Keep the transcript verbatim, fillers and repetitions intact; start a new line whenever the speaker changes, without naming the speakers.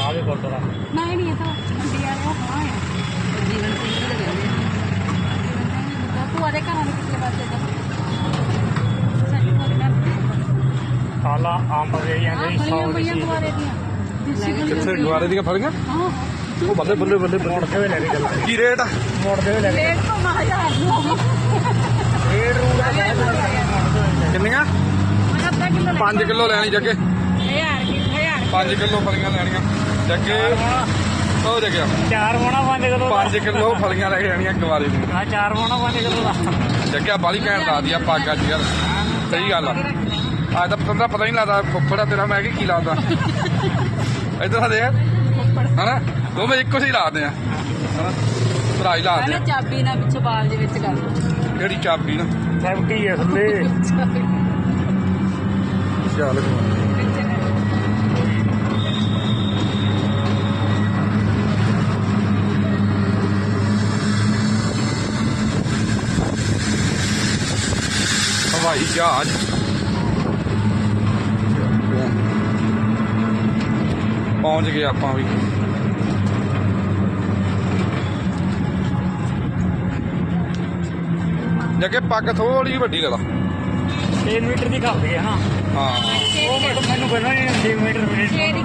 आगे गुरुद्वारा
नहीं नहीं ये तो मंडी वाले वो कहाँ है जीवन सिंह ਦੇ ਰਹਿੰਦੇ ਆ ਤੂੰ ਆਦੇ ਘਰਾਂ ਦੇ ਪਿਛਲੇ ਪਾਸੇ ਦਾ ਸਾਡੀ ਕੋਲ ਨਾ
काला अंब दे ਜਾਂਦੇ सौ
ਬੜੀਆਂ
ਦੀ
ਦੁਆਰੇ ਦੀਆਂ ਦੇਸੀ
ਕਿੱਥੇ ਗੁਆਰੇ ਦੀਆਂ ਫਲੀਆਂ
ਹਾਂ
ਉਹ ਬੱਲੇ ਬੱਲੇ ਬੱਲੇ
ਮੋੜ ਕੇ ਵੀ ਲੈ ਕੇ ਚੱਲਾਂ
ਕੀ ਰੇਟ ਆ
ਮੋੜ ਕੇ ਵੀ ਲੈ ਕੇ
ਰੇਟ ਤੋਂ ਹਜ਼ਾਰ ਨੂੰ
ਡੇਢ ਰੂਟ ਦਾ
ਕਿੰਨੀਆਂ
ਅੱਧਾ ਕਿਲੋ ਲੈ
ਪੰਜ ਕਿਲੋ ਲੈਣੀ ਜੱਗੇ
ਹਜ਼ਾਰ ਹਜ਼ਾਰ
ਪੰਜ ਕਿਲੋ ਫਲੀਆਂ ਲੈਣੀਆਂ ਜੱਗੇ ਉਹ ਜੱਗਿਆ
ਚਾਰ ਮੋਣਾ ਪੰਜ ਕਿਲੋ
ਪੰਜ ਕਿਲੋ ਫਲੀਆਂ ਲੈ ਕੇ ਜਾਣੀਆਂ ਗਵਾਰੇ ਨੂੰ
ਹਾਂ ਚਾਰ ਮੋਣਾ ਪੰਜ ਕਿਲੋ ਦਾ
ਜੱਗਿਆ ਬਾਲੀ ਘੈਂਟ ਲਾਦੀ ਆ ਪੱਗ ਅੱਜ ਯਾਰ ਸਹੀ ਗੱਲ ਆ ਅੱਜ ਤਾਂ ਪਤਾ ਪਤਾ ਨਹੀਂ ਲੱਗਦਾ ਫੁੱਫੜਾ ਤੇਰਾ ਮੈਂ ਕੀ ਕੀ ਲਾਦਾ ਇੱਧਰ ਆ ਦੇਖ ਹਨਾ ਦੋਵੇਂ ਇੱਕੋ ਜਿਹੀ ਲਾਦੇ ਆ ਹਨਾ ਭਰਾ ਹੀ ਲਾਦੇ ਆ
ਪਹਿਲਾਂ ਚਾਬੀ ਨਾਲ ਪਿੱਛੇ ਬਾਲ ਦੇ ਵਿੱਚ ਕਰ
ਕਿਹੜੀ ਚਾਬੀ ਨਾ
ਸੈਵਟੀ ਹੈ ਥੱਲੇ
ਚੱਲ ਹਵਾਈ ਜਹਾਜ਼ ਪਹੁੰਚ ਗਏ ਆਪਾਂ ਵੀ ਜੱਗੇ ਪੱਗ ਥੋੜੀ ਵੱਡੀ ਲੈ ਲਾ
ਛੇ ਮੀਟਰ ਦੀ ਖਾਂਦੇ ਆ ਨਾ
ਹਾਂ
ਉਹ ਮੈਨੂੰ ਮੈਨੂੰ ਕਹਿੰਦਾ ਛੇ ਮੀਟਰ ਮਿੰਟ